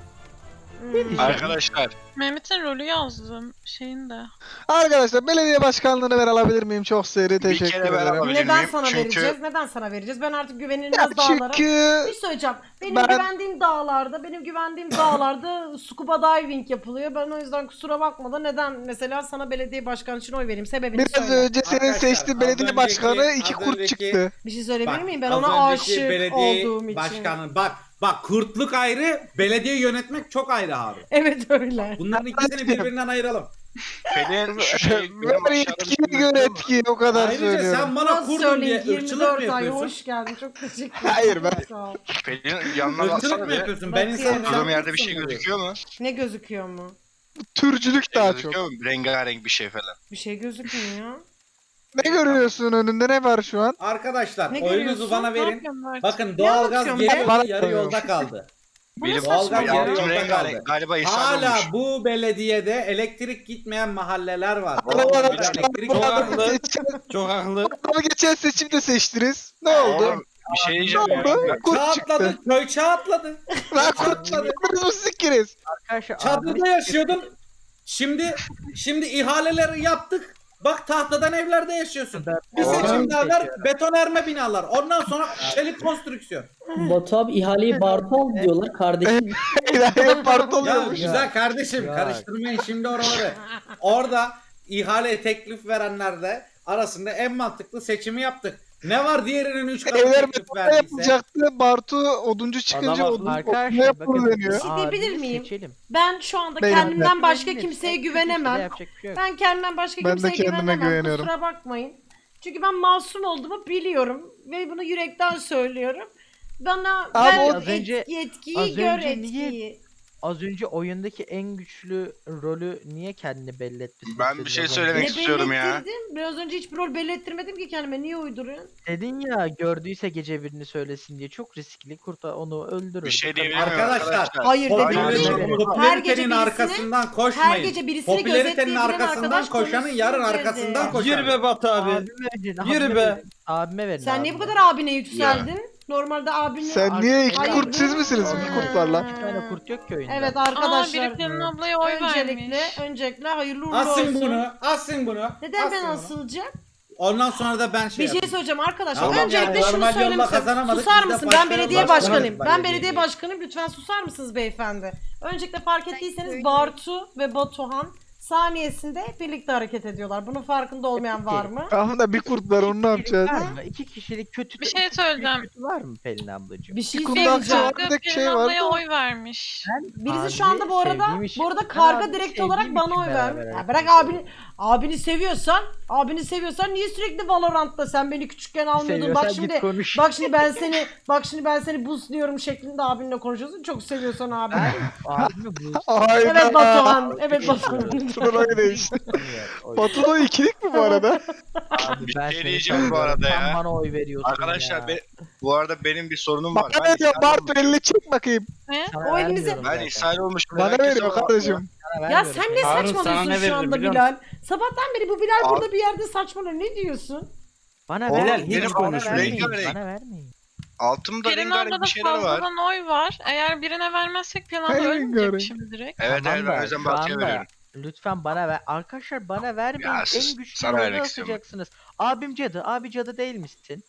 Speaker 4: Hmm.
Speaker 2: Arkadaşlar
Speaker 8: Mehmet'in rolü yazdım şeyinde.
Speaker 1: Arkadaşlar belediye başkanlığını ver alabilir miyim? Çok seri teşekkür
Speaker 2: kere ben
Speaker 1: ederim.
Speaker 2: alabilirim.
Speaker 4: Neden
Speaker 2: miyim?
Speaker 4: sana
Speaker 2: Çünkü-
Speaker 4: vereceğiz? Neden sana vereceğiz? Ben artık
Speaker 1: Ya
Speaker 4: güvenilmez dağlara...
Speaker 1: çünkü
Speaker 4: Bir şey söyleyeceğim. Benim
Speaker 1: ben-
Speaker 4: güvendiğim dağlarda, benim güvendiğim dağlarda scuba diving yapılıyor. Ben o yüzden kusura bakma da neden mesela sana belediye başkanı için oy vereyim? Sebebini
Speaker 1: biraz
Speaker 4: söyle.
Speaker 1: önce senin
Speaker 3: Arkadaşlar,
Speaker 1: seçtiğin
Speaker 3: az
Speaker 1: belediye
Speaker 3: önceki-
Speaker 1: başkanı iki
Speaker 3: az
Speaker 1: kurt
Speaker 3: önceki-
Speaker 1: çıktı.
Speaker 4: Bir şey söyleyebilir
Speaker 3: Bak,
Speaker 4: miyim? Ben
Speaker 3: az
Speaker 4: ona
Speaker 3: önceki
Speaker 4: aşık
Speaker 3: belediye
Speaker 4: olduğum için.
Speaker 3: başkanı. Bak bak kurtluk ayrı, belediye yönetmek çok ayrı abi.
Speaker 4: Evet öyle.
Speaker 3: Bunların ikisini birbirinden ayıralım.
Speaker 2: Pelin şu şey
Speaker 1: Ver yetkiye göre etkiyi o kadar
Speaker 3: Ayrıca
Speaker 1: söylüyorum.
Speaker 3: sen bana
Speaker 4: Nasıl
Speaker 3: kurdun diye
Speaker 4: söyleyeyim?
Speaker 3: ırkçılık mı
Speaker 4: yirmi dört ay
Speaker 3: yapıyorsun?
Speaker 4: hoş geldin. Çok teşekkür ederim.
Speaker 1: Hayır, ben-
Speaker 4: Çok sağ ol.
Speaker 2: Pelin yanına
Speaker 3: Irkçılık
Speaker 2: baksana
Speaker 3: mı
Speaker 2: bir.
Speaker 3: yapıyorsun? Ben
Speaker 4: Bakıyorum.
Speaker 3: insanım.
Speaker 2: Durduğum
Speaker 3: sen
Speaker 2: yerde bir şey
Speaker 3: kurdsun
Speaker 2: gözüküyor mu?
Speaker 4: Ne gözüküyor mu?
Speaker 1: Türcülük daha çok.
Speaker 2: Gözüküyor mu? Rengarenk bir şey falan.
Speaker 4: Bir şey gözükmüyor.
Speaker 1: Ne görüyorsun önünde, ne var şu an?
Speaker 3: Arkadaşlar
Speaker 4: Ne
Speaker 3: oyunuzu
Speaker 4: görüyorsun?
Speaker 3: bana
Speaker 8: Ne
Speaker 3: verin.
Speaker 8: yapıyorsun Mert?
Speaker 3: Bakın doğalgaz
Speaker 4: anlatıyorum
Speaker 3: geliyor
Speaker 1: ben?
Speaker 3: yarı yolda kaldı.
Speaker 4: Bu ne
Speaker 2: Benim
Speaker 3: Doğalgaz
Speaker 4: saçma
Speaker 3: yarı
Speaker 4: ya?
Speaker 2: altım
Speaker 3: yolda
Speaker 2: rengarenk.
Speaker 3: kaldı.
Speaker 2: Galiba ishal
Speaker 3: Hala
Speaker 2: olmuş.
Speaker 3: bu belediyede elektrik gitmeyen mahalleler var.
Speaker 1: Arkadaşlar,
Speaker 3: Bir elektrik
Speaker 1: bu
Speaker 6: Çok
Speaker 1: adamı
Speaker 6: haklı.
Speaker 1: seçen-
Speaker 6: Çok haklı.
Speaker 1: adamı geçen seçimde seçtiniz. Ne oldu?
Speaker 2: Oğlum, bir şey
Speaker 1: Ne
Speaker 2: diyeceğim ya.
Speaker 1: oldu? Kurt
Speaker 3: Çağ
Speaker 1: çıktı.
Speaker 3: atladı, köy çağ atladı.
Speaker 1: Lan
Speaker 3: Çağ
Speaker 1: kurt
Speaker 3: atladı.
Speaker 1: çıktınız mı siz ikiniz?
Speaker 7: Arkadaşlar
Speaker 3: Çadırda yaşıyordun. Şimdi şimdi ihaleleri yaptık. Bak tahtadan evlerde yaşıyorsun. Bir
Speaker 7: Oğlum,
Speaker 3: seçim daha ver,
Speaker 7: seçiyorum.
Speaker 3: betonarme binalar. Ondan sonra çelik konstrüksiyon.
Speaker 9: Batu abi ihaleyi Bartu aldı diyorlar kardeşim.
Speaker 1: İlahi part
Speaker 3: Ya
Speaker 1: oluyormuş.
Speaker 3: güzel kardeşim
Speaker 7: Ya.
Speaker 3: karıştırmayın şimdi oraları. Orada ihale teklif verenlerde arasında en mantıklı seçimi yaptık. Ne var diğerinin üç katı
Speaker 1: Evler
Speaker 3: teklif
Speaker 1: betonla
Speaker 3: verdiyse?
Speaker 1: yapılacaktı. Bartu oduncu çıkınca
Speaker 6: Adam
Speaker 1: odun, odun
Speaker 7: Arkadaşlar
Speaker 1: yapmalı
Speaker 7: bakın
Speaker 1: deniyor.
Speaker 4: Bir şey diyebilir
Speaker 7: abimi
Speaker 4: miyim?
Speaker 7: seçelim.
Speaker 4: Ben şu anda
Speaker 1: Beyler.
Speaker 4: kendimden başka
Speaker 7: Güvenilir.
Speaker 4: kimseye
Speaker 7: Tek bir
Speaker 4: güvenemem.
Speaker 7: kişide yapacak bir şey yok.
Speaker 4: Ben kendimden başka
Speaker 1: Ben de
Speaker 4: kimseye
Speaker 1: kendime
Speaker 4: güvenemem.
Speaker 1: güveniyorum.
Speaker 4: Kusura bakmayın. Çünkü ben masum olduğumu biliyorum. Ve bunu yürekten söylüyorum. Bana
Speaker 1: Abi
Speaker 4: ben
Speaker 1: o-
Speaker 7: az önce-
Speaker 4: et- yetkiyi
Speaker 7: az
Speaker 4: gör
Speaker 7: önce niye-
Speaker 4: etkiyi.
Speaker 7: Az önce oyundaki en güçlü rolü niye kendini belli etmişsin?
Speaker 2: Ben bir şey
Speaker 7: Dedin
Speaker 2: söylemek
Speaker 4: Ne
Speaker 2: istiyorum ya.
Speaker 4: belirttirdim? Biraz önce hiç bir rol belirttirmedim ki kendime. Niye uyduruyorsun?
Speaker 7: Dedin ya gördüyse gece birini söylesin diye çok riskli kurta onu öldürür.
Speaker 2: Bir şey
Speaker 7: Bu kadar.
Speaker 2: diyebilir miyim
Speaker 3: Arkadaşlar,
Speaker 2: arkadaşlar?
Speaker 4: Hayır dedim
Speaker 7: Hayır,
Speaker 4: değil.
Speaker 7: hayır.
Speaker 4: Her gece
Speaker 3: Popülaritenin
Speaker 4: birisini-
Speaker 3: arkasından
Speaker 4: Her
Speaker 3: koşmayın.
Speaker 4: gece birisini
Speaker 3: Popülaritenin
Speaker 4: gözetleyebilen
Speaker 3: arkasından
Speaker 4: arkadaş
Speaker 3: koşanın yarın
Speaker 4: konuşsun
Speaker 3: arkasından
Speaker 4: dedi.
Speaker 3: koşar.
Speaker 6: Yürü be Batu abi.
Speaker 7: Abime verin,
Speaker 6: Yürü
Speaker 7: abime
Speaker 6: be.
Speaker 7: verin. Abime verin.
Speaker 4: Sen niye bu
Speaker 7: abime.
Speaker 4: kadar abine yükseldin? Normalde abine...
Speaker 1: Sen niye iki
Speaker 4: Hayır.
Speaker 1: kurt siz misiniz?
Speaker 4: Ha.
Speaker 1: İki kurt var lan.
Speaker 7: Bir tane kurt yok ki oyunda.
Speaker 4: Evet
Speaker 8: Aa
Speaker 4: arkadaşlar.
Speaker 8: biri Pelin ablaya oy
Speaker 4: öncelikle,
Speaker 8: vermiş.
Speaker 4: öncelikle hayırlı uğurlu
Speaker 3: Asın
Speaker 4: olsun.
Speaker 3: bunu, asın bunu.
Speaker 4: Neden ben
Speaker 3: asın bunu.
Speaker 4: asılacağım?
Speaker 3: Ondan sonra da ben şey
Speaker 4: Bir şey
Speaker 3: yapayım.
Speaker 4: söyleyeceğim arkadaşlar.
Speaker 3: Tamam
Speaker 4: Öncelikle
Speaker 3: yani,
Speaker 4: şunu
Speaker 3: normal yolla
Speaker 4: söylemek istiyorum.
Speaker 3: kazanamadık,
Speaker 4: Susar
Speaker 3: biz de
Speaker 4: mısın?
Speaker 3: başkanız,
Speaker 4: Ben belediye
Speaker 3: başkanız
Speaker 4: başkanıyım. Ben
Speaker 3: belediye
Speaker 4: belediye
Speaker 3: değil.
Speaker 4: başkanıyım. Lütfen susar mısınız beyefendi? Öncelikle fark ettiyseniz
Speaker 8: köylüyüm.
Speaker 4: Bartu ve Batuhan saniyesinde birlikte hareket ediyorlar. Bunun farkında olmayan var mı?
Speaker 1: Tamam da bir kurt var, onu ne yapacağız?
Speaker 7: Var mı? İki kişilik kötü
Speaker 8: Bir şey söyleyeceğim.
Speaker 7: kötü var mı Pelin ablacığım?
Speaker 4: Bir şey
Speaker 1: Bir kurt
Speaker 4: söyleyeceğim.
Speaker 1: aksi var, bir de
Speaker 8: Pelin
Speaker 1: şey var.
Speaker 8: ablaya oy vermiş.
Speaker 4: Birisi şu
Speaker 7: Abi,
Speaker 4: anda bu arada
Speaker 7: sevdiğim için-
Speaker 4: bu arada
Speaker 7: Ben
Speaker 4: karga
Speaker 7: abi
Speaker 4: direkt
Speaker 7: sevdiğim
Speaker 4: olarak bana
Speaker 7: için
Speaker 4: oy
Speaker 7: beraber
Speaker 4: vermiş. Ya
Speaker 7: hareket
Speaker 4: bırak
Speaker 7: ediyorum.
Speaker 4: abini abini seviyorsan, abini seviyorsan niye sürekli Valorant'ta sen beni küçükken almıyordun? Bak
Speaker 7: Seviyorsan
Speaker 4: şimdi
Speaker 7: git konuş.
Speaker 4: bak şimdi ben seni bak şimdi ben seni boostluyorum şeklinde abinle konuşuyorsun. Çok seviyorsan abi.
Speaker 7: Abimi bu.
Speaker 1: Hayda.
Speaker 4: Evet Batuhan. Evet Batuhan.
Speaker 1: Sıraya değişti. Batu'da ikilik mi bu arada?
Speaker 7: Abi
Speaker 2: Bir
Speaker 7: ben
Speaker 2: şey
Speaker 7: seni
Speaker 2: diyeceğim bu
Speaker 7: seviyorum.
Speaker 2: arada
Speaker 7: Sen
Speaker 2: ya.
Speaker 7: bana oy veriyorsun
Speaker 2: Arkadaşlar
Speaker 7: ya.
Speaker 2: be, bu arada benim bir sorunum var.
Speaker 1: Bana ne diyor?
Speaker 2: ishal
Speaker 1: Bartu
Speaker 2: olmuşum.
Speaker 1: elini çek bakayım.
Speaker 8: Ne?
Speaker 7: Sana
Speaker 4: O elinizi-
Speaker 7: vermiyorum
Speaker 2: Ben
Speaker 7: zaten.
Speaker 2: ishal olmuşum.
Speaker 1: Bana
Speaker 2: Herkes
Speaker 1: veriyor
Speaker 2: olarak
Speaker 1: kardeşim.
Speaker 7: Sana
Speaker 4: Ya
Speaker 7: vermiyorum.
Speaker 4: sen ne
Speaker 6: Harun, sana
Speaker 4: saçmalıyorsun
Speaker 6: ne
Speaker 4: şu
Speaker 6: veririm
Speaker 4: anda
Speaker 6: biliyor
Speaker 4: Bilal? Sabahtan beri bu Bilal
Speaker 2: Abi-
Speaker 4: burada bir yerde saçmalıyor. Ne diyorsun?
Speaker 7: Bana
Speaker 2: Oğlum,
Speaker 7: vermeyin.
Speaker 6: hiç
Speaker 7: Bana
Speaker 6: konuşma.
Speaker 7: vermeyin.
Speaker 2: Rengarenk.
Speaker 7: Bana vermeyin.
Speaker 2: Altımda
Speaker 8: Pelin
Speaker 2: rengarenk
Speaker 8: ablada
Speaker 2: bir şeyler var.
Speaker 8: fazladan oy var. Eğer birine vermezsek Pelin abla
Speaker 1: Hayır,
Speaker 8: ölmeyecek
Speaker 1: rengarenk.
Speaker 8: şimdi direkt.
Speaker 2: Evet
Speaker 7: Tamam
Speaker 2: evet
Speaker 7: da
Speaker 2: ben o yüzden
Speaker 7: şu
Speaker 2: Bartu'ya
Speaker 7: anda
Speaker 2: veriyorum.
Speaker 7: Lütfen bana ver. Arkadaşlar bana vermeyin.
Speaker 2: Ya sus,
Speaker 7: En güçlü
Speaker 2: sana
Speaker 7: rolü
Speaker 2: vermek istiyorum.
Speaker 7: asacaksınız. Abim cadı. Abi cadı değil misin?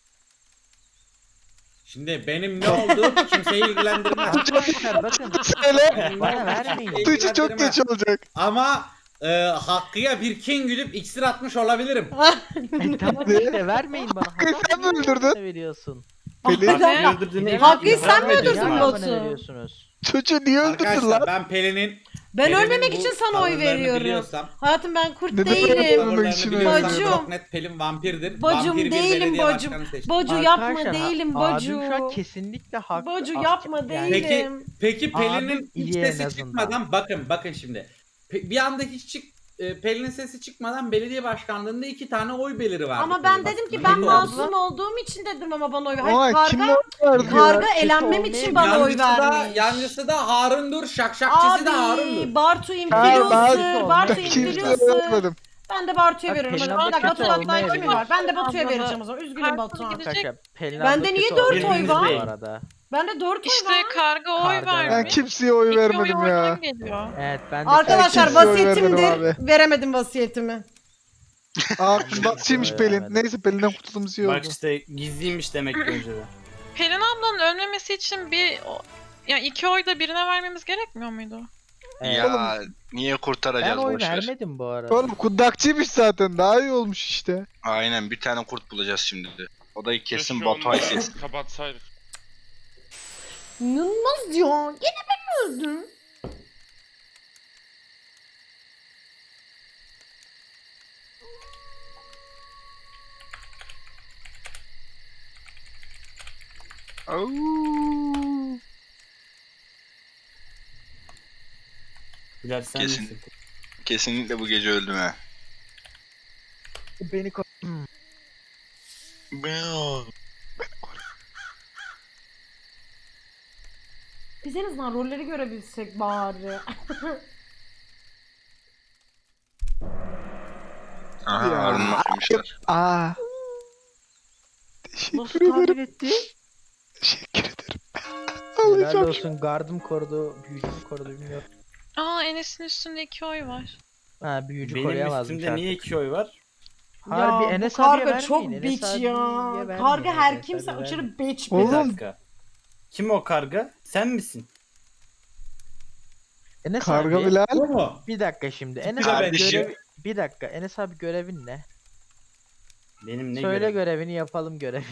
Speaker 3: Şimdi benim ne olduğum kimseyi ilgilendirmez.
Speaker 7: Arkadaşlar bakın.
Speaker 1: Söyle.
Speaker 7: Bana vermeyin.
Speaker 1: Tuğçe çok geç olacak.
Speaker 3: Ama e, Hakkı'ya bir kin gülüp iksir atmış olabilirim.
Speaker 7: E, tamam
Speaker 1: Ne?
Speaker 7: işte vermeyin bana.
Speaker 1: Hakkı sen mi öldürdün?
Speaker 7: Ne veriyorsun?
Speaker 1: Pelin.
Speaker 4: Neden?
Speaker 6: Öldürdüğünü
Speaker 4: Hakkı'yı
Speaker 6: itiraf
Speaker 4: sen mi
Speaker 6: ediyor.
Speaker 4: öldürdün
Speaker 7: Niye
Speaker 4: Batu?
Speaker 7: bana veriyorsunuz?
Speaker 1: Çocuğu niye öldürdün
Speaker 3: Arkadaşlar
Speaker 1: lan?
Speaker 3: ben Pelin'in
Speaker 4: Ben
Speaker 3: Pelin'in
Speaker 4: ölmemek
Speaker 3: bu
Speaker 4: için sana oy
Speaker 3: tavırlarını
Speaker 4: veriyorum.
Speaker 3: biliyorsam-
Speaker 4: Hayatım ben kurt
Speaker 1: Neden
Speaker 4: değilim.
Speaker 1: ölmemek
Speaker 3: tavırlarını
Speaker 1: için
Speaker 3: biliyorsam
Speaker 4: Bacım.
Speaker 3: çok net Pelin vampirdir.
Speaker 4: Bacım
Speaker 3: Vampir bir
Speaker 4: değilim
Speaker 3: belediye
Speaker 4: bacım.
Speaker 3: başkanı seçti.
Speaker 4: Bacu yapma
Speaker 7: Arkadaşlar,
Speaker 4: değilim
Speaker 7: abim
Speaker 4: Bacu.
Speaker 7: şu an kesinlikle haklı.
Speaker 4: Bacu
Speaker 7: Ah,
Speaker 4: yapma
Speaker 7: yani-
Speaker 4: değilim.
Speaker 3: Peki peki Pelin'in
Speaker 7: Abim
Speaker 3: hiç
Speaker 7: iyi en
Speaker 3: sesi
Speaker 7: azından.
Speaker 3: çıkmadan bakın bakın şimdi. Pe- bir anda hiç çık e, Pelin'in sesi çıkmadan belediye başkanlığında iki tane oy beliri vardı.
Speaker 4: Ama ben
Speaker 3: Pelin
Speaker 4: dedim ki
Speaker 3: aslında.
Speaker 4: ben
Speaker 7: Pelin
Speaker 4: masum olduğum için dedim ama bana oy ver.
Speaker 1: Ama
Speaker 4: Hayır
Speaker 1: kim
Speaker 4: karga,
Speaker 1: oy verdi
Speaker 4: karga
Speaker 1: ya?
Speaker 4: elenmem için bana oy
Speaker 3: Yancısı da,
Speaker 4: vermiş.
Speaker 3: yancısı da Harun'dur, şakşakçısı da Harun'dur.
Speaker 4: Abi Bartu
Speaker 1: Hayır,
Speaker 4: influencer,
Speaker 7: ben-
Speaker 4: Bartu
Speaker 1: Ben kimseye
Speaker 4: influencer.
Speaker 1: vermedim.
Speaker 4: Ben de Bartu'ya
Speaker 7: Bak,
Speaker 4: veriyorum.
Speaker 7: Pelin
Speaker 4: Hadi bir dakika
Speaker 7: abla
Speaker 4: Batu'dan
Speaker 7: kötü
Speaker 4: daha kimi
Speaker 7: olmayabilir.
Speaker 4: var? Ben de Batu'ya
Speaker 8: Abla da-
Speaker 4: vereceğim o zaman. Üzgünüm
Speaker 8: Karga
Speaker 4: Batuhan.
Speaker 8: gidecek.
Speaker 7: Arkadaşlar Pelin
Speaker 4: Bende
Speaker 7: abla
Speaker 4: niye
Speaker 7: kötü
Speaker 4: dört
Speaker 7: olmayabilir
Speaker 3: oy var?
Speaker 7: Bu arada.
Speaker 4: Bende dört oy
Speaker 8: İşte
Speaker 4: var.
Speaker 8: karga oy
Speaker 7: Karga
Speaker 8: vermiş.
Speaker 1: Ben kimseye oy
Speaker 8: İki oy
Speaker 1: vermedim ya.
Speaker 8: oradan geliyor.
Speaker 7: Evet ben de
Speaker 4: Arkadaşlar
Speaker 1: kimseye oy
Speaker 4: vasiyetimdir.
Speaker 1: vermedim
Speaker 4: Veremedim vasiyetimi.
Speaker 1: Aa nasılmış
Speaker 7: Oy
Speaker 1: Pelin?
Speaker 7: vermedim.
Speaker 1: Neyse Pelin'den kurtulduğumuz iyi oldu.
Speaker 6: Bak işte gizliymiş demek ki önceden.
Speaker 8: Pelin ablanın ölmemesi için bir o- ya iki oy da birine vermemiz gerekmiyor muydu?
Speaker 7: Evet.
Speaker 2: Ya niye
Speaker 7: Ben
Speaker 2: kurtaracağız
Speaker 7: oy
Speaker 2: boşver.
Speaker 7: vermedim bu arada.
Speaker 1: Oğlum kundakçıymış zaten daha iyi olmuş işte.
Speaker 2: Aynen bir tane kurt bulacağız şimdi de. O da kesin
Speaker 5: Keşke
Speaker 2: Batuhay
Speaker 5: onu
Speaker 2: sesi.
Speaker 5: kapatsaydık.
Speaker 4: İnanılmaz ya. Yine ben öldüm.
Speaker 1: Au.
Speaker 6: Bilal sen
Speaker 2: Kesin.
Speaker 6: misin?
Speaker 2: Kesinlikle bu gece öldüm ha.
Speaker 7: Beni ko-
Speaker 4: Biz en azından rolleri görebilsek bari.
Speaker 2: Aha
Speaker 1: Ya.
Speaker 2: Harun'u koymuşlar.
Speaker 1: Aa.
Speaker 7: Nasıl
Speaker 1: Teşekkür ederim.
Speaker 7: tahmin etti?
Speaker 1: Teşekkür ederim.
Speaker 7: Helal
Speaker 1: Alacağım.
Speaker 7: olsun gardım korudu, büyücüm korudu bilmiyorum.
Speaker 8: Aa Enes'in üstünde iki oy var.
Speaker 7: Ha büyücü
Speaker 6: Benim
Speaker 7: koruyamazmış
Speaker 6: üstümde
Speaker 7: artık.
Speaker 6: niye iki oy var?
Speaker 7: Harbi
Speaker 4: ya, bu
Speaker 7: Enes abiye
Speaker 4: karga
Speaker 7: vermeyin,
Speaker 4: çok
Speaker 7: Enes
Speaker 4: bitch
Speaker 7: abiye
Speaker 4: ya.
Speaker 7: vermeyin,
Speaker 4: Karga her
Speaker 7: Enes
Speaker 4: kimse
Speaker 7: abiye
Speaker 4: aşırı
Speaker 7: vermeyin.
Speaker 4: bitch bir
Speaker 1: Oğlum.
Speaker 6: Bir
Speaker 4: de.
Speaker 6: dakika. Kim o karga? Sen misin?
Speaker 7: Enes
Speaker 1: Karga
Speaker 7: abi,
Speaker 1: Bilal.
Speaker 3: Bu mu?
Speaker 7: bir dakika şimdi. Enes
Speaker 3: Tipi de
Speaker 7: abi
Speaker 2: Kardeşim.
Speaker 7: görevi... Bir dakika Enes abi görevin ne?
Speaker 6: Benim ne
Speaker 7: Söyle
Speaker 6: görevim?
Speaker 7: görevini yapalım görevini.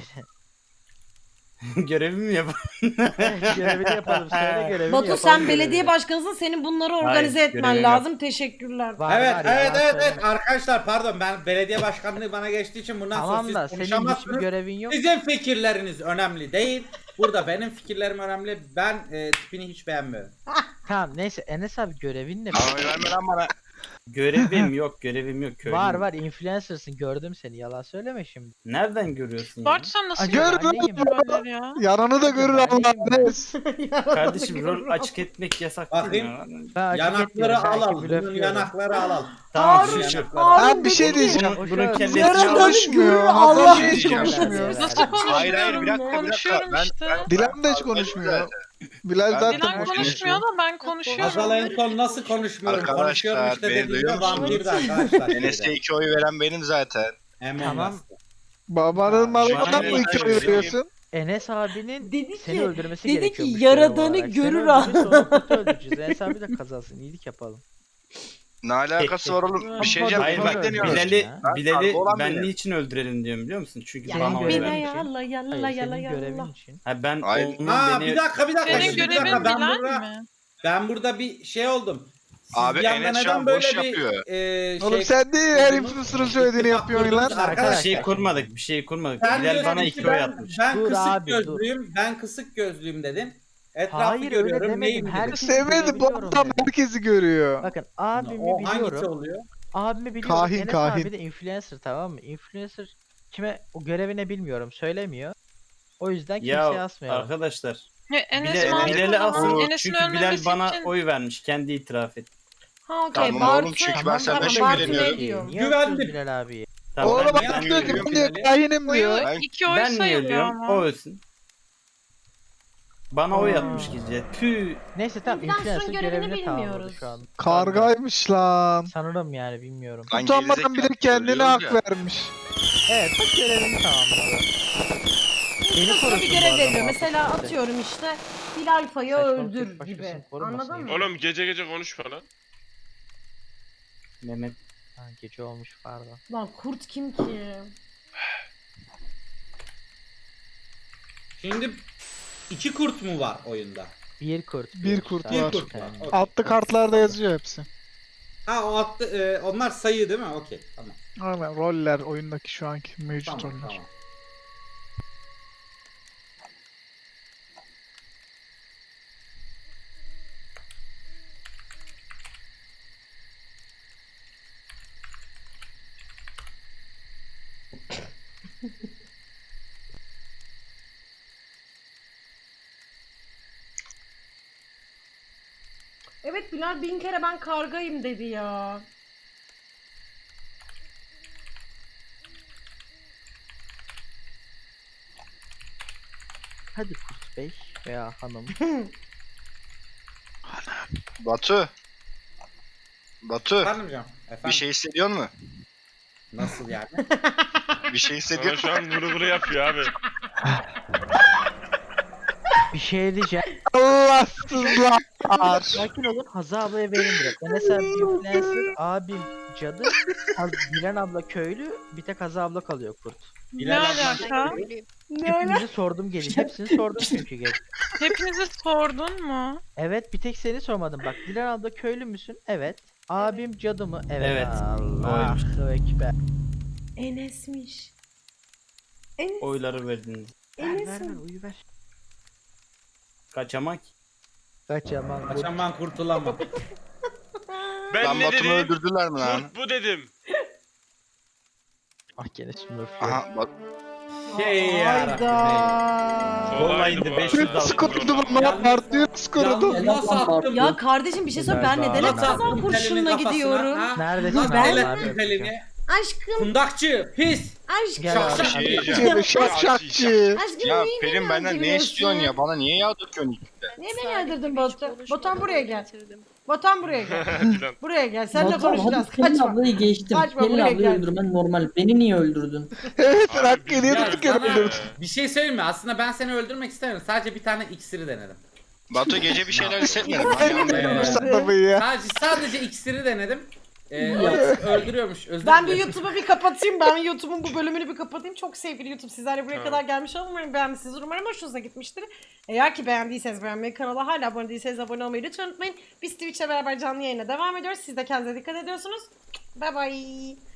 Speaker 6: Görevimi mi yapalım?
Speaker 7: görevini yapalım söyle görevini
Speaker 4: Batu
Speaker 7: yapalım
Speaker 4: sen
Speaker 7: görevini.
Speaker 4: belediye başkanısın. Senin bunları organize
Speaker 6: Hayır,
Speaker 4: etmen
Speaker 6: görevim
Speaker 4: lazım. Teşekkürler.
Speaker 7: Var,
Speaker 3: evet
Speaker 7: var ya,
Speaker 3: evet
Speaker 7: var,
Speaker 3: evet
Speaker 7: söyle.
Speaker 3: evet arkadaşlar pardon ben belediye başkanlığı bana geçtiği için bundan sonra
Speaker 7: Tamam
Speaker 3: siz
Speaker 7: da senin hiçbir
Speaker 3: konuşamazsınız.
Speaker 7: görevin yok.
Speaker 3: Sizin fikirleriniz önemli değil. Burada benim fikirlerim önemli. Ben e, tipini hiç beğenmiyorum.
Speaker 7: Tamam neyse Enes abi görevin ne?
Speaker 2: Lan oy verme lan bana.
Speaker 6: Görevim yok, görevim yok. Köylüyüm.
Speaker 7: Var var influencer'sın gördüm seni yalan söyleme şimdi.
Speaker 6: Nereden görüyorsun ya?
Speaker 8: Bartu sen nasıl
Speaker 1: Aa, gör
Speaker 8: yapıyorsun
Speaker 7: anneyim.
Speaker 8: bu rolleri ya?
Speaker 1: Yanını da görür
Speaker 7: Ben
Speaker 1: Allah
Speaker 7: neyim
Speaker 1: Enes.
Speaker 6: Kardeşim rol açık etmek yasak değil
Speaker 3: Bakayım.
Speaker 6: mi?
Speaker 7: Ben açık
Speaker 3: Yanakları
Speaker 7: etmiyorum, belki
Speaker 3: alalım. Bunun
Speaker 7: blöflüyorum.
Speaker 3: yanakları alalım.
Speaker 6: Tamam
Speaker 4: Harun,
Speaker 6: şu
Speaker 3: yanakları.
Speaker 4: Harun
Speaker 1: Abi bir şey
Speaker 4: dedi ki,
Speaker 1: diyeceğim.
Speaker 6: Bunun, bunun kellesi
Speaker 4: Yaradanı
Speaker 1: konuşmuyor.
Speaker 4: görür
Speaker 1: Hasan
Speaker 4: Allah.
Speaker 1: hiç
Speaker 2: diyeceğim.
Speaker 1: konuşmuyor.
Speaker 8: Nasıl
Speaker 2: Hayır hayır bir dakika bir dakika.
Speaker 8: Konuşuyorum
Speaker 2: Ben,
Speaker 8: işte.
Speaker 2: ben,
Speaker 1: Dilan da hiç konuşmuyor. Bilal
Speaker 2: Ben-
Speaker 1: zaten
Speaker 8: Dilan
Speaker 1: konuşuyor.
Speaker 8: konuşmuyor da ben konuşuyorum.
Speaker 3: Hazal en son nasıl konuşmuyorum?
Speaker 2: Arkadaşlar,
Speaker 3: Konuşuyorum işte
Speaker 2: beni
Speaker 3: dediğinde
Speaker 2: duyuyor musunuz?
Speaker 3: vampirdi arkadaşlar.
Speaker 2: Enes'e iki oy veren benim zaten.
Speaker 3: Hemen
Speaker 7: Tamam.
Speaker 3: bastı.
Speaker 1: Babanın malından
Speaker 2: Bana
Speaker 1: mı
Speaker 2: ne
Speaker 1: iki oy
Speaker 2: söylüyorsun?
Speaker 1: veriyorsun?
Speaker 7: Enes abinin
Speaker 4: Dedi
Speaker 7: seni
Speaker 4: ki,
Speaker 7: öldürmesi
Speaker 4: dedi ki,
Speaker 7: gerekiyormuş
Speaker 4: yaradanı
Speaker 7: görev olarak.
Speaker 4: görür
Speaker 7: Seni
Speaker 4: ha.
Speaker 7: öldürürse onu kötü öldüreceğiz. Enes abi de kazansın iyilik yapalım.
Speaker 2: Ne alakası var oğlum? Bir şey
Speaker 7: Hayır,
Speaker 2: diyeceğim.
Speaker 6: Hayır
Speaker 7: Sonra
Speaker 6: bak
Speaker 2: Bekleniyoruz.
Speaker 6: Bilal'i,
Speaker 7: ya.
Speaker 6: Bilal'i
Speaker 2: Kargo olan
Speaker 6: ben
Speaker 2: benim.
Speaker 6: niçin öldürelim diyorum biliyor musun? Çünkü
Speaker 4: Ya
Speaker 6: bana oy
Speaker 4: bine
Speaker 6: vermiş.
Speaker 4: yalla yalla
Speaker 7: Hayır
Speaker 4: yalla
Speaker 7: senin görevin
Speaker 4: yalla.
Speaker 7: için.
Speaker 6: Ha ben
Speaker 2: Hayır.
Speaker 6: onun
Speaker 3: Ha
Speaker 6: beni...
Speaker 3: bir dakika bir dakika.
Speaker 8: Senin
Speaker 3: şimdi bir
Speaker 8: görevin
Speaker 3: dakika. Ben
Speaker 8: Bilal
Speaker 3: burada,
Speaker 8: mi?
Speaker 3: ben burada bir şey oldum. Siz
Speaker 2: Abi
Speaker 3: bir anda
Speaker 2: Enes şu
Speaker 3: neden
Speaker 2: an
Speaker 3: böyle
Speaker 2: boş
Speaker 3: bir
Speaker 2: yapıyor.
Speaker 3: e, şey...
Speaker 1: Oğlum sen değil her
Speaker 3: kurdunuz?
Speaker 1: influencer'ın söylediğini
Speaker 3: İttifak
Speaker 1: yapıyorsun lan.
Speaker 3: kurdunuz.
Speaker 6: Bir
Speaker 3: Arkadaşlar
Speaker 6: şey kurmadık, bir şey kurmadık.
Speaker 3: sen
Speaker 6: Bilal
Speaker 3: diyorsun
Speaker 6: bana
Speaker 3: ki
Speaker 6: iki oy
Speaker 3: ben,
Speaker 6: atmış.
Speaker 3: ben
Speaker 7: Dur
Speaker 3: kısık
Speaker 7: abi, dur.
Speaker 3: gözlüyüm, ben kısık gözlüyüm dedim. Etrafı
Speaker 7: Hayır öyle
Speaker 3: görüyorum,
Speaker 7: demedim.
Speaker 3: neyim dedim.
Speaker 7: Herkes
Speaker 1: Sevmedi bu
Speaker 7: görebiliyorum
Speaker 1: adam
Speaker 7: dedim.
Speaker 1: herkesi görüyor.
Speaker 7: Bakın abimi
Speaker 3: O hangisi
Speaker 7: biliyorum.
Speaker 3: oluyor?
Speaker 7: Abimi biliyorum.
Speaker 1: Kahin,
Speaker 7: Enes
Speaker 1: kahin.
Speaker 7: abi de influencer tamam mı? Influencer kime o görevine bilmiyorum söylemiyor. O yüzden kimseye
Speaker 6: Ya
Speaker 7: asmıyorum.
Speaker 6: arkadaşlar,
Speaker 8: Ya Enes
Speaker 6: Bilal,
Speaker 8: mantıklı
Speaker 6: Bilal'i
Speaker 8: ama
Speaker 6: asın
Speaker 8: Enes'in
Speaker 6: çünkü Bilal
Speaker 8: ölmemesi
Speaker 6: bana
Speaker 8: için
Speaker 6: oy vermiş, kendi itiraf et.
Speaker 4: Ha okey.
Speaker 2: Tamam
Speaker 4: Bartu.
Speaker 2: oğlum, çünkü ben
Speaker 4: Tamam,
Speaker 2: senden
Speaker 4: tamam,
Speaker 2: şüpheleniyorum.
Speaker 4: Bartu ne
Speaker 7: Niye
Speaker 4: diyor?
Speaker 3: Güvendim.
Speaker 7: asıyorsun Bilal abiye?
Speaker 6: Tamam,
Speaker 1: Oğlum
Speaker 6: ben,
Speaker 1: bak
Speaker 3: ben
Speaker 1: diyor ki
Speaker 3: görüyorum
Speaker 1: ben diyor
Speaker 3: Bilal'i.
Speaker 1: kahinim
Speaker 8: oyu
Speaker 1: diyor.
Speaker 2: Ben-
Speaker 8: iki oy
Speaker 6: ben niye
Speaker 8: sayılıyor
Speaker 6: ölüyorum?
Speaker 8: ama.
Speaker 6: O ölsün. Bana oy
Speaker 7: Aa.
Speaker 6: atmış gece. Tüh.
Speaker 7: Neyse tamam
Speaker 4: Influencer'ın
Speaker 7: influencer
Speaker 4: görevini
Speaker 7: görevini tamamladı
Speaker 4: bilmiyoruz.
Speaker 7: şu an.
Speaker 1: Kargaymış lan.
Speaker 7: Sanırım yani bilmiyorum.
Speaker 2: Lan
Speaker 1: Utanmadan bile
Speaker 2: gerizekalı
Speaker 1: kendine
Speaker 2: söylüyoruz
Speaker 1: hak
Speaker 2: ya.
Speaker 1: vermiş.
Speaker 7: Evet bak görevini tamamladı. Beni
Speaker 4: Sana
Speaker 7: korusun
Speaker 4: bir
Speaker 7: bu
Speaker 4: görev
Speaker 7: arada
Speaker 4: veriyor.
Speaker 7: muhabbet
Speaker 4: Mesela
Speaker 7: işte.
Speaker 4: atıyorum işte Bilal Fay'ı
Speaker 7: Saçmalık
Speaker 4: öldür
Speaker 7: tek
Speaker 4: gibi.
Speaker 7: başkasını korumasın
Speaker 4: Anladın mı?
Speaker 7: ya.
Speaker 5: Oğlum gece gece konuşma lan.
Speaker 6: Mehmet.
Speaker 7: Ha, gece olmuş pardon.
Speaker 4: Lan kurt kim ki?
Speaker 3: Şimdi iki kurt mu var oyunda?
Speaker 7: Bir kurt.
Speaker 1: Bir kurt
Speaker 7: sadece
Speaker 1: var.
Speaker 3: kurt var.
Speaker 7: tane.
Speaker 3: Okey.
Speaker 1: Altlı kartlarda yazıyor hepsi.
Speaker 3: Ha o attı, e, onlar sayı değil mi? Okey tamam.
Speaker 1: Aynen roller oyundaki şu anki mevcut
Speaker 3: Tamam
Speaker 1: roller.
Speaker 3: tamam.
Speaker 4: Evet Bilal bin kere ben kargayım dedi ya.
Speaker 7: Hadi kurt bey veya hanım.
Speaker 2: Batu. Batu.
Speaker 3: Efendim canım. Efendim.
Speaker 2: Bir şey hissediyor musun?
Speaker 3: Nasıl yani?
Speaker 2: Bir şey hissediyor
Speaker 5: Sana
Speaker 2: musun?
Speaker 5: şu an vuru vuru yapıyor abi.
Speaker 7: Bir şey diyeceğim.
Speaker 1: Allahsızlar.
Speaker 7: Sakin olun. Hazal ablaya verin direkt. Ben mesela bir influencer, abim cadı, Haz- Dilan abla köylü, bir tek Hazal abla kalıyor kurt.
Speaker 8: Ne
Speaker 3: Bilal abla-
Speaker 8: alaka?
Speaker 7: Hepinizi sordum gelin. Hepsini sordum çünkü gelin.
Speaker 8: Hepinizi sordun mu?
Speaker 7: Evet bir tek seni sormadım bak. Dilan abla köylü müsün? Evet. Abim cadı mı? Evet.
Speaker 6: Evet.
Speaker 7: Allahu ekber.
Speaker 4: Enes'miş. Enes.
Speaker 6: Oyları verdiniz.
Speaker 7: Ver
Speaker 4: Enes
Speaker 7: ver ver
Speaker 4: mi?
Speaker 7: uyu ver.
Speaker 6: Kaçamak.
Speaker 7: Kaçamam. kurt.
Speaker 3: Kaçan ben kurtulamam.
Speaker 5: Ben
Speaker 2: Lan
Speaker 5: ne
Speaker 2: Batu'nu
Speaker 5: dedim?
Speaker 2: öldürdüler mi lan?
Speaker 5: Kurt bu dedim.
Speaker 7: Ah gene Smurf.
Speaker 2: Aha bak.
Speaker 3: Şey yarabbim.
Speaker 4: Hayda.
Speaker 5: Kolaydı
Speaker 6: indi,
Speaker 5: bu
Speaker 6: beş yüz
Speaker 5: arada.
Speaker 6: aldım.
Speaker 1: Nasıl korudum ama
Speaker 3: Yalnız-
Speaker 1: partiyi nasıl korudum?
Speaker 3: Yalnız nasıl attım?
Speaker 4: Ya kardeşim bir şey söyle ben neden hep
Speaker 3: Nasıl
Speaker 4: kazan
Speaker 3: attım
Speaker 4: kurşunla
Speaker 3: telinin kafasına?
Speaker 4: gidiyorum?
Speaker 3: Ha?
Speaker 7: Neredesin
Speaker 3: Nasıl
Speaker 7: abi?
Speaker 3: el
Speaker 7: Abi,
Speaker 3: ettim telini?
Speaker 4: Aşkım,
Speaker 3: Kundakçı, pis.
Speaker 4: aşkım,
Speaker 7: Gel
Speaker 3: Şak
Speaker 7: abi.
Speaker 3: şak.
Speaker 5: Şey diyeceğim.
Speaker 1: Şak şakçı.
Speaker 4: aşkım
Speaker 2: Ya
Speaker 4: niye
Speaker 2: Pelin
Speaker 4: beni
Speaker 2: benden ne
Speaker 4: öldürüyorsun?
Speaker 2: istiyorsun ya? Bana niye yağ döküyorsun?
Speaker 4: Niye beni öldürdün Batu? Batuhan buraya gel. Batuhan buraya gel.
Speaker 5: Dilan.
Speaker 4: Buraya gel. Seninle
Speaker 9: Batuhan,
Speaker 4: konuşacağız.
Speaker 9: hadi Pelin
Speaker 4: Kaçma.
Speaker 9: ablayı geçtim.
Speaker 4: Kaçma,
Speaker 9: Pelin
Speaker 4: buraya
Speaker 9: ablayı
Speaker 4: gel.
Speaker 9: öldürmen normal. Beni niye öldürdün?
Speaker 1: Evet sen
Speaker 5: Abi
Speaker 1: hak
Speaker 5: biz-
Speaker 1: ediyordun
Speaker 3: Ya
Speaker 1: bir kere
Speaker 3: sana
Speaker 1: öldürdün.
Speaker 3: bir şey söyleyeyim mi? Aslında ben seni öldürmek istemedim. Sadece bir tane iksiri denedim.
Speaker 2: Batu gece bir şeyler hissetmedim.
Speaker 1: Ben
Speaker 2: Hani
Speaker 1: de
Speaker 3: Ee,
Speaker 1: bu adamı ya.
Speaker 3: Sadece sadece iksiri denedim. Ee,
Speaker 9: Ya.
Speaker 3: o iksir öldürüyormuş. Özür
Speaker 4: Ben bir
Speaker 3: dilerim.
Speaker 4: YouTube'u bir kapatayım. Ben YouTube'un bu bölümünü bir kapatayım. Çok sevgili YouTube sizlerle buraya
Speaker 5: Tamam.
Speaker 4: kadar gelmiş olun. Umarım beğenmişsiniz. Umarım hoşunuza gitmiştir. Eğer ki beğendiyseniz beğenmeyi, kanala hala abone değilseniz abone olmayı lütfen unutmayın. Biz Twitch'le beraber canlı yayına devam ediyoruz. Siz de kendinize dikkat ediyorsunuz. Bye bye.